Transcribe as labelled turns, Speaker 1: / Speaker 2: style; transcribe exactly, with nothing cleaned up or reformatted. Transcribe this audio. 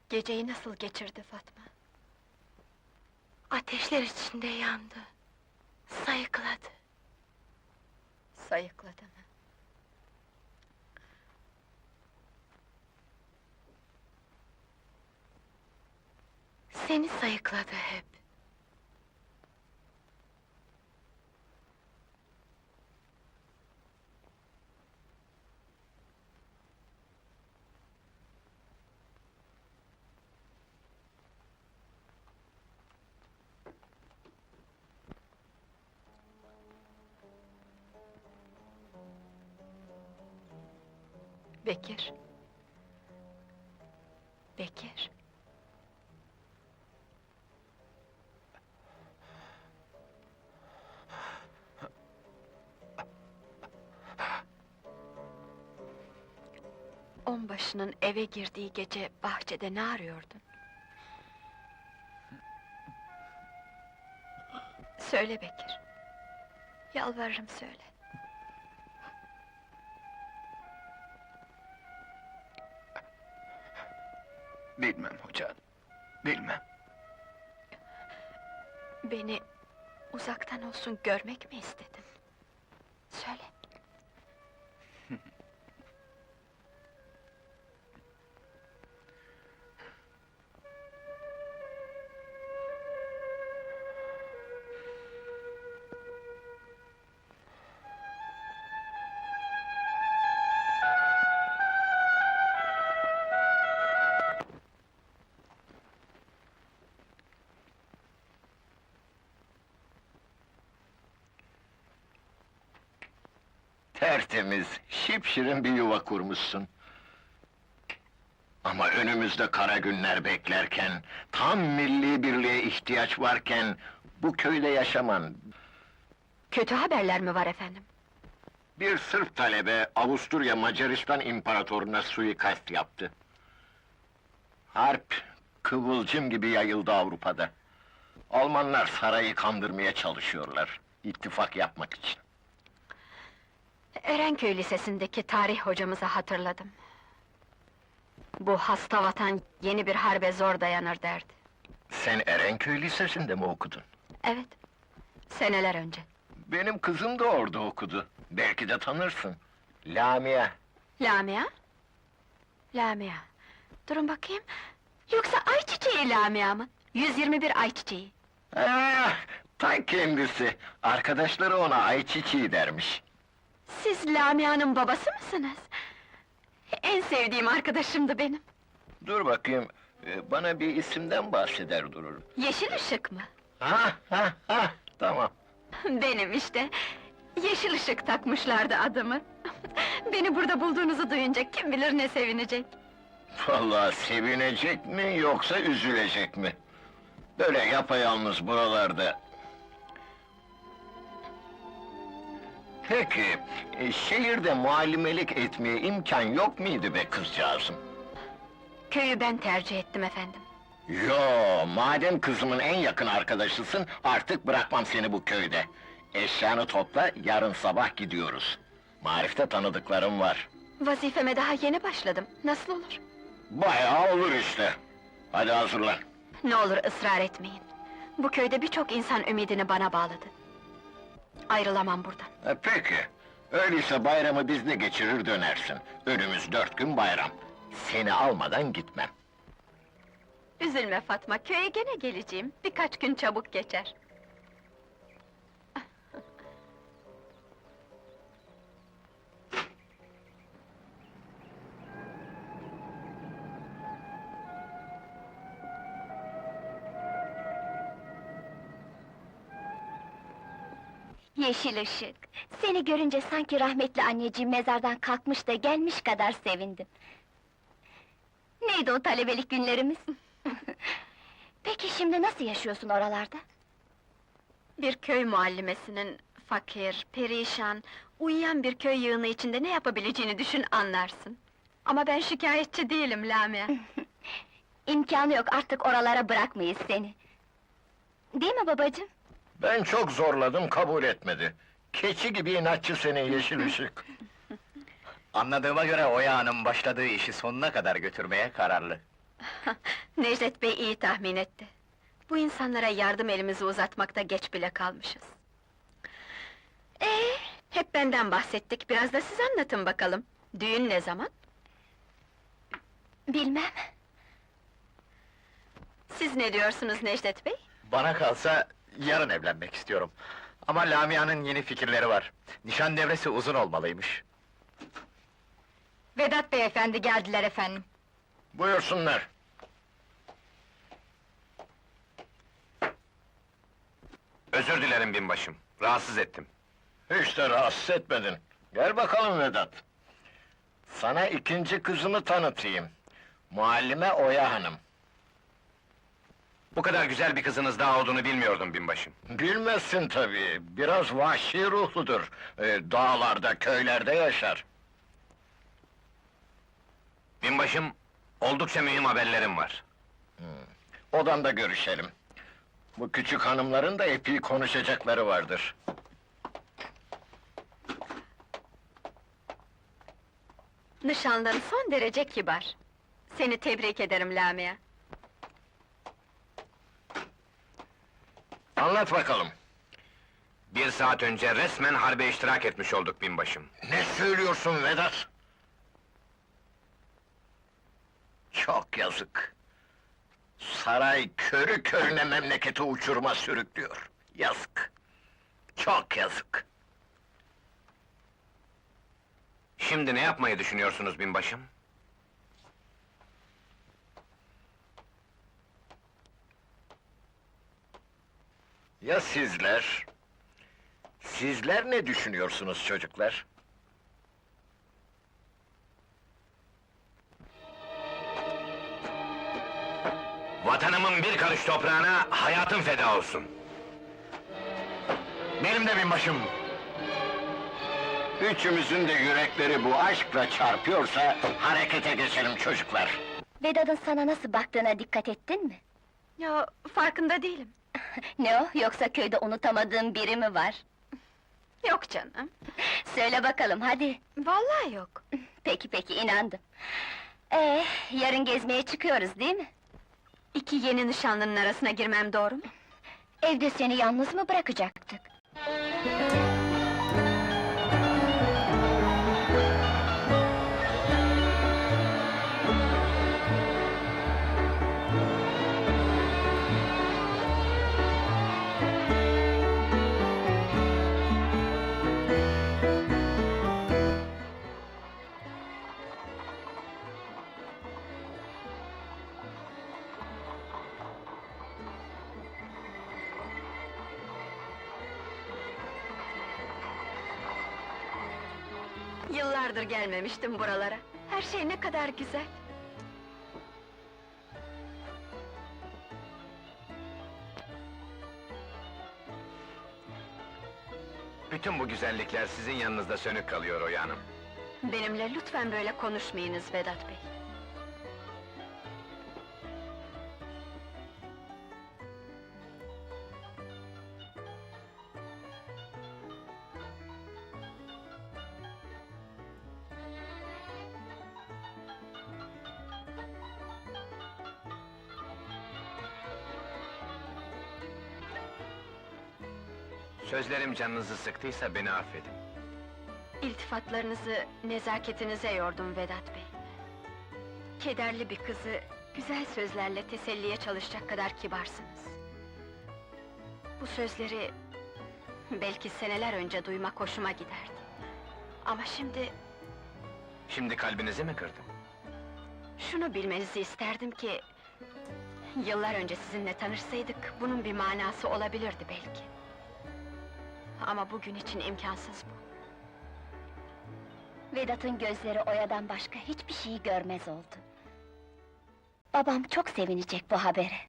Speaker 1: Geceyi nasıl geçirdi Fatma?
Speaker 2: Ateşler içinde yandı. Sayıkladı.
Speaker 1: Sayıkladı mı?
Speaker 2: Seni sayıkladı hep.
Speaker 1: Bekir. Bekir. Onbaşının eve girdiği gece bahçede ne arıyordun? Söyle Bekir. Yalvarırım söyle.
Speaker 3: Bilmem hoca, bilmem.
Speaker 1: Beni uzaktan olsun görmek mi istedin? Söyle.
Speaker 3: Tertemiz, şipşirin bir yuva kurmuşsun. Ama önümüzde kara günler beklerken, tam milli birliğe ihtiyaç varken, bu köyde yaşaman...
Speaker 1: Kötü haberler mi var efendim?
Speaker 3: Bir Sırp talebe, Avusturya Macaristan İmparatoruna suikast yaptı. Harp, kıvılcım gibi yayıldı Avrupa'da. Almanlar sarayı kandırmaya çalışıyorlar, ittifak yapmak için.
Speaker 1: Erenköy Lisesi'ndeki tarih hocamızı hatırladım. Bu hasta vatan yeni bir harbe zor dayanır derdi.
Speaker 3: Sen Erenköy Lisesi'nde mi okudun?
Speaker 1: Evet, seneler önce.
Speaker 3: Benim kızım da orada okudu. Belki de tanırsın. Lamia.
Speaker 1: Lamia? Lamia. Durun bakayım. Yoksa ayçiçeği Lamia mı? yüz yirmi bir ayçiçeği.
Speaker 3: Ah, ta kendisi. Arkadaşları ona ayçiçeği dermiş.
Speaker 1: Siz Lamia'nın babası mısınız? En sevdiğim arkadaşımdı benim.
Speaker 3: Dur bakayım, e, bana bir isimden bahseder durur.
Speaker 1: Yeşil ışık mı?
Speaker 3: Ha ha ha, tamam.
Speaker 1: Benim işte. Yeşil ışık takmışlardı adımı. Beni burada bulduğunuzu duyunca kim bilir ne sevinecek.
Speaker 3: Vallahi sevinecek mi yoksa üzülecek mi? Böyle yapayalnız buralarda. Peki, e, şehirde muallimelik etmeye imkan yok muydu be kızcağızım?
Speaker 1: Köyü ben tercih ettim efendim.
Speaker 3: Yo, madem kızımın en yakın arkadaşısın, artık bırakmam seni bu köyde. Eşyanı topla, yarın sabah gidiyoruz. Marif'te tanıdıklarım var.
Speaker 1: Vazifeme daha yeni başladım. Nasıl olur?
Speaker 3: Bayağı olur işte. Hadi hazırlan.
Speaker 1: Ne olur ısrar etmeyin. Bu köyde birçok insan ümidini bana bağladı. Ayrılamam buradan.
Speaker 3: E, peki, öyleyse bayramı bizde geçirir dönersin. Önümüz dört gün bayram. Seni almadan gitmem.
Speaker 1: Üzülme Fatma, köye gene geleceğim. Birkaç gün çabuk geçer.
Speaker 4: Yeşil ışık! Seni görünce sanki rahmetli anneciğim mezardan kalkmış da gelmiş kadar sevindim. Neydi o talebelik günlerimiz? Peki şimdi nasıl yaşıyorsun oralarda?
Speaker 1: Bir köy muallimesinin fakir, perişan, uyuyan bir köy yığını içinde ne yapabileceğini düşün anlarsın. Ama ben şikayetçi değilim Lamia.
Speaker 4: İmkanı yok, artık oralara bırakmayız seni. Değil mi babacığım?
Speaker 3: Ben çok zorladım, kabul etmedi. Keçi gibi inatçı senin yeşil ışık.
Speaker 5: Anladığıma göre Oya Hanım başladığı işi sonuna kadar götürmeye kararlı.
Speaker 1: Necdet Bey iyi tahmin etti. Bu insanlara yardım elimizi uzatmakta geç bile kalmışız. Ee, hep benden bahsettik, biraz da siz anlatın bakalım. Düğün ne zaman?
Speaker 4: Bilmem.
Speaker 1: Siz ne diyorsunuz Necdet Bey?
Speaker 5: Bana kalsa yarın evlenmek istiyorum. Ama Lamia'nın yeni fikirleri var. Nişan devresi uzun olmalıymış.
Speaker 1: Vedat Beyefendi geldiler efendim.
Speaker 3: Buyursunlar.
Speaker 6: Özür dilerim binbaşım, rahatsız ettim.
Speaker 3: Hiç de rahatsız etmedin. Gel bakalım Vedat. Sana ikinci kızımı tanıtayım. Muallime Oya Hanım.
Speaker 6: Bu kadar güzel bir kızınız daha olduğunu bilmiyordum binbaşım.
Speaker 3: Bilmezsin tabii, biraz vahşi ruhludur. Ee, dağlarda, köylerde yaşar.
Speaker 6: Binbaşım, oldukça mühim haberlerim var.
Speaker 3: Odamda görüşelim. Bu küçük hanımların da epey konuşacakları vardır.
Speaker 1: Nişanlın son derece kibar. Seni tebrik ederim Lamia.
Speaker 3: Anlat bakalım.
Speaker 6: Bir saat önce resmen harbe iştirak etmiş olduk binbaşım.
Speaker 3: Ne söylüyorsun Vedat? Çok yazık. Saray körü körüne memleketi uçuruma sürüklüyor. Yazık. Çok yazık.
Speaker 6: Şimdi ne yapmayı düşünüyorsunuz binbaşım?
Speaker 3: Ya sizler? Sizler ne düşünüyorsunuz çocuklar?
Speaker 6: Vatanımın bir karış toprağına hayatım feda olsun.
Speaker 3: Benim de binbaşım. Üçümüzün de yürekleri bu aşkla çarpıyorsa harekete geçelim çocuklar.
Speaker 4: Vedat'ın sana nasıl baktığına dikkat ettin mi?
Speaker 1: Ya farkında değilim.
Speaker 4: Ne o, yoksa köyde unutamadığın biri mi var?
Speaker 1: Yok canım.
Speaker 4: Söyle bakalım, hadi!
Speaker 1: Vallahi yok.
Speaker 4: Peki peki, inandım. Ee, yarın gezmeye çıkıyoruz değil mi?
Speaker 1: İki yeni nişanlının arasına girmem doğru mu?
Speaker 4: Evde seni yalnız mı bırakacaktık?
Speaker 1: Yıllardır gelmemiştim buralara. Her şey ne kadar güzel.
Speaker 6: Bütün bu güzellikler sizin yanınızda sönük kalıyor Oya Hanım.
Speaker 1: Benimle lütfen böyle konuşmayınız Vedat Bey.
Speaker 6: Sözlerim canınızı sıktıysa beni affedin.
Speaker 1: İltifatlarınızı, nezaketinize yordum Vedat Bey. Kederli bir kızı, güzel sözlerle teselliye çalışacak kadar kibarsınız. Bu sözleri, belki seneler önce duymak hoşuma giderdi. Ama şimdi,
Speaker 6: Şimdi kalbinizi mi kırdım?
Speaker 1: şunu bilmenizi isterdim ki... Yıllar önce sizinle tanışsaydık, bunun bir manası olabilirdi belki. Ama bugün için imkansız bu.
Speaker 4: Vedat'ın gözleri Oya'dan başka hiçbir şeyi görmez oldu. Babam çok sevinecek bu habere.